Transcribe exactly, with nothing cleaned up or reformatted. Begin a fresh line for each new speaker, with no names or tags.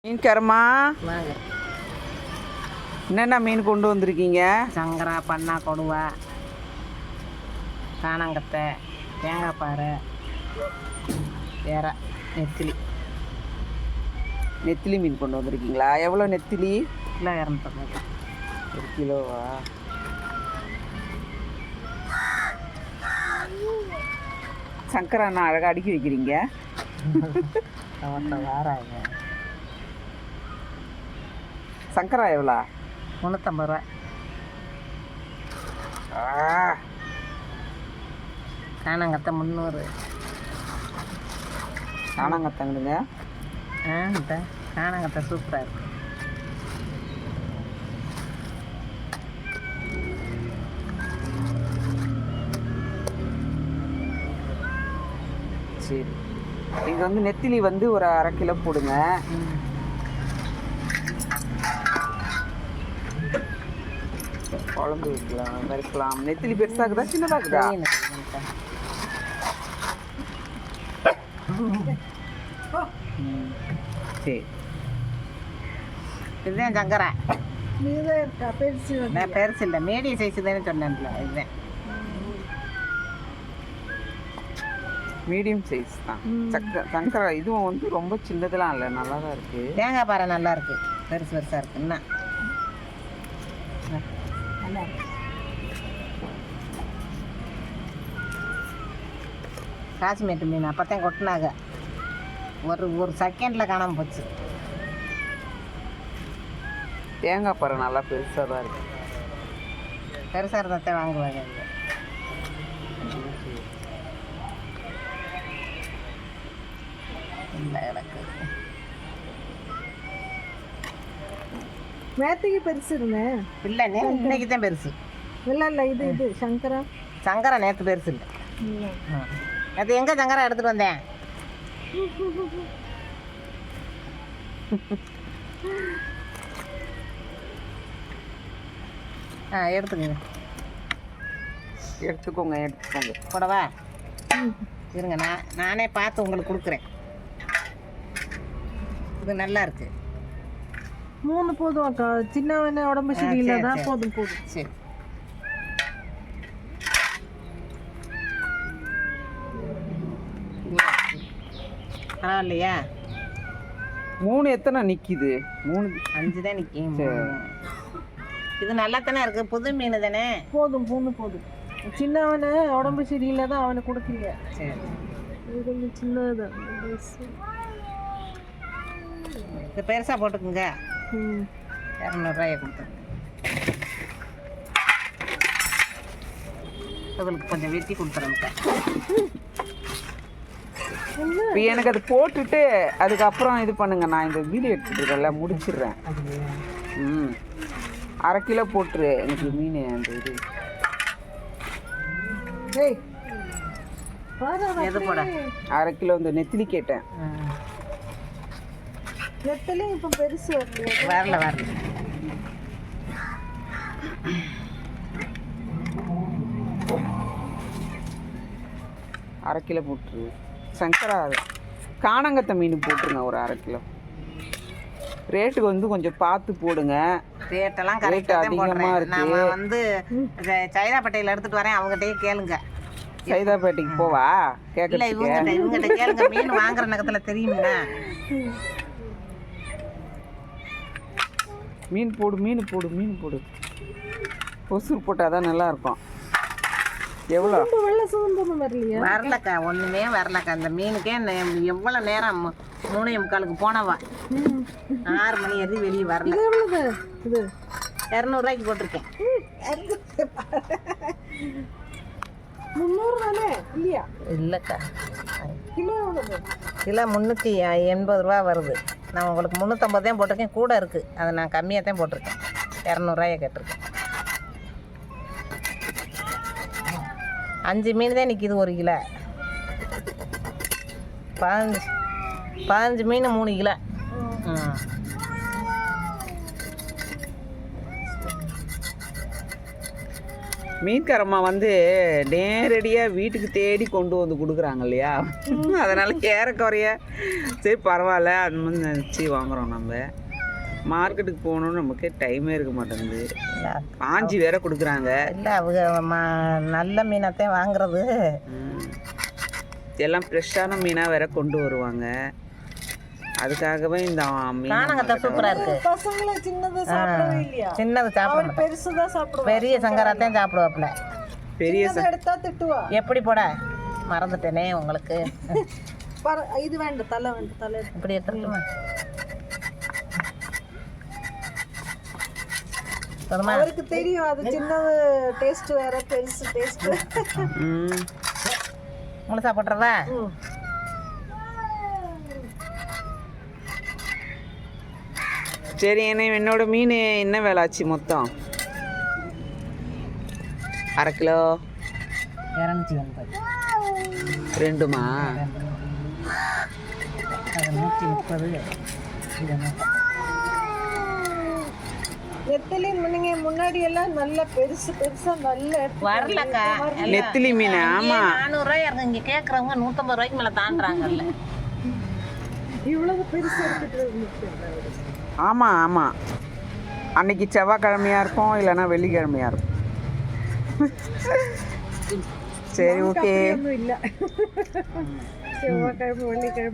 மீன்காரம்மா
வாங்க.
என்னென்ன மீன் கொண்டு வந்திருக்கீங்க?
சங்கரா, பண்ணா, கொடுவா, காணாங்கத்தை, தேங்காய் பாறை, வேற நெத்திலி.
நெத்திலி மீன் கொண்டு வந்திருக்கீங்களா? எவ்வளோ நெத்திலி?
கிலோ இரநூத்தம்பது.
ஒரு கிலோவா? சங்கரா அண்ணா அழகாக அடுக்கி வைக்கிறீங்க.
வாராங்க.
சங்கரா எவ்வளோ?
முந்நூற்றம்பது ரூபா. காணாங்கத்தை முந்நூறு.
காணாங்கத்தங்கடுங்க.
ஆ இந்த காணாங்கத்தை சூப்பராக இருக்குது.
சரி, நீங்கள் வந்து நெத்திலி வந்து ஒரு அரை கிலோ போடுங்க. குழம்பு வைக்கலாம், வறுக்கலாம். நெத்திலி பெருசாகுதா சின்னதாகுதா? சரி,
இதுதான் சங்கரா.
இருக்கா பெருசு?
நான் பெருசு இல்லை, மீடியம் சைஸு தானே சொன்னேன்ல. இதுதான்
மீடியம் சைஸ் தான். சக்க சங்கரா இதுவும் வந்து ரொம்ப சின்னதெல்லாம் இல்லை, நல்லா தான் இருக்குது.
தேங்காய் பாறை நல்லா இருக்குது, பெருசு பெருசாக இருக்குது. என்ன
நல்லா இருக்கு.
காசிமேட்டு மீன் அப்போத்தான் கொட்டினாங்க, ஒரு ஒரு செகண்டில் காணாமல் போச்சு.
தேங்காய் பாறை நல்லா பெருசாக தான் இருக்குது.
பெருசாக இருந்தால் வாங்குவாங்க. இல்லை எனக்கு
நேற்றுக்கு பெருசு இருந்தேன்.
இல்லை நே இன்னைக்கு தான் பெருசு.
இல்லை இல்லை இது இது சங்கரா.
சங்கரா நேற்று பெருசு இல்லை. நேற்று எங்கே சங்கரா எடுத்துகிட்டு வந்தேன்? ஆ எடுத்துக்கோங்க
எடுத்துக்கோங்க எடுத்துக்கோங்க.
கூடவா இருங்க, நான் நானே பார்த்து உங்களுக்கு கொடுக்குறேன். இது நல்லா இருக்கு.
மூணு போதும் அக்கா, சின்னவன உடம்பு சரியில்லை தான். போதும் போதும்.
சரி, பரவாயில்லையா?
மூணு எத்தனை நிற்கிது? மூணு
அஞ்சு தான் நிற்கும். இது நல்லா தானே இருக்குது, புது மீன் தானே.
போதும் மூணு போதும். சின்னவன உடம்பு சரியில்லை தான் அவனை கொடுக்கீங்க.
சரி,
இது கொஞ்சம் சின்னதான்.
இது பெருசாக போட்டுக்குங்க.
ம்
இரநூறுவாயை கொடுத்துருங்க. உங்களுக்கு கொஞ்சம் வெட்டி கொடுத்துறேன்க்கா.
இப்போ எனக்கு அது போட்டுட்டு அதுக்கப்புறம் இது பண்ணுங்க. நான் இந்த வீடியோ எடுத்துட்டுருக்கேன்ல, முடிச்சிடுறேன். ம் அரை கிலோ போட்டுரு எனக்கு மீன். அந்த இது
ஏய்
எது போட?
அரை கிலோ இந்த நெத்திலி கேட்டேன்.
நெத்திலையும் இப்போ பெருசு வரல.
வரல வரல.
அரை கிலோ போட்டுரு. சங்கரா காணாங்கத்தை மீன் போட்டுருங்க ஒரு அரை கிலோ. ரேட்டுக்கு வந்து கொஞ்சம் பார்த்து போடுங்க.
ரேட்டெல்லாம்
ரேட்
கரெக்டாக
அதிகமாக
போடுறேன்.
இருக்கு.
நான் வந்து சைதாப்பேட்டையில் எடுத்துகிட்டு வரேன், அவங்ககிட்டயே கேளுங்க.
சைதாப்பேட்டைக்கு போவா
இல்லை
கேட்கறதுக்கு?
இவங்ககிட்ட இவங்ககிட்ட கேளுங்க, மீன் வாங்குற நகத்தில் தெரியுங்களா?
மீன் போடு மீன் போடு மீன் போடு. ஒசூர் போட்டால் தான் நல்லாயிருக்கும். எவ்வளோ?
வெள்ளை சுதந்திரம் வரலையா?
வரலக்கா, ஒன்றுமே வரலக்கா. அந்த மீனுக்கே எவ்வளோ நேரம், மூணே முக்காலுக்கு போனவா, ஆறு மணி ஏறி வெளியே வரல.
இது எவ்வளவு? இது
இரநூறுவாய்க்கு போட்டிருக்கேன்.
முந்நூறு தானே இல்லையா?
இல்லைக்கா,
கிலோ எவ்வளவு?
கிலோ முந்நூற்றி எண்பது ரூபா வருது. நான் உங்களுக்கு முந்நூற்றம்பது தான் போட்டிருக்கேன், கூட இருக்குது. அதை நான் கம்மியாக தான் போட்டிருக்கேன், இரநூறுவாயை கேட்டிருக்கேன். அஞ்சு மீன் தான் நிற்கிது ஒரு கிலோ. பதினஞ்சு பதினஞ்சு மீன் மூணு கிலோ. ம்
மீன்காரம்மா வந்து நேரடியாக வீட்டுக்கு தேடி கொண்டு வந்து கொடுக்குறாங்க இல்லையா, அதனால் ஏறக்குறைய சரி பரவாயில்ல அந்த மாதிரி நினச்சி வாங்குகிறோம். நம்ம மார்க்கெட்டுக்கு போகணுன்னு நமக்கு டைமே இருக்க மாட்டேங்குது. காஞ்சி வேற கொடுக்குறாங்க.
இல்லை அவங்க மா நல்ல மீனைத்தான் வாங்குறது.
எல்லாம் ஃப்ரெஷ்ஷான மீனாக வேற கொண்டு வருவாங்க. அதுக்காகவே இந்த மீன்
காணங்கத்தை சூப்பராக இருக்குது.
பசங்களை சின்னது சாப்பிடவே இல்லையா?
சின்னது சாப்பிட
பெருசு தான் சாப்பிடுவோம்.
பெரிய சங்கராத்தையும் சாப்பிடுவாப்புல.
பெரிய ச-
எடுத்தா திட்டுவா.
எப்படி போட மறந்துட்டேனே உங்களுக்கு.
பர- இது வேண்டாம், தலை வேண்டாம், தலை எடுத்து.
இப்படி எடுத்துக்கலாமா? போதுமா?
அவருக்கு தெரியும் அது சின்னது டேஸ்ட் வேற, பெருசு டேஸ்ட்.
ம்
முழுசா போட்டுறதா?
சரி. என்ன என்னோட மீன் என்ன வேலை ஆச்சு மொத்தம்? அரை கிலோ
இரநூத்தி எண்பது.
ரெண்டுமா?
அது நூற்றி முப்பது. இது நூற்றி
நெத்திலி முன்னுங்க முன்னாடி எல்லாம் நல்ல பெருசு பெருசா நல்ல எடுத்து
வரலக்கா.
நெத்திலி மீன். ஆமாம்,
நானூறுரூவா இருக்கு. இங்கே கேட்குறவங்க நூற்றம்பது ரூபாய்க்கு மேலே தாண்டுறாங்கல்ல.
இவ்வளவு பெருசு எடுத்துட்டு
ஆமாம் ஆமாம். அன்னைக்கு செவ்வாய்க்கிழமையாக இருக்கும், இல்லைன்னா வெள்ளிக்கிழமையாக இருக்கும். சரி, ஓகே.
இல்லை செவ்வாய்க்கிழமை வெள்ளிக்கிழமை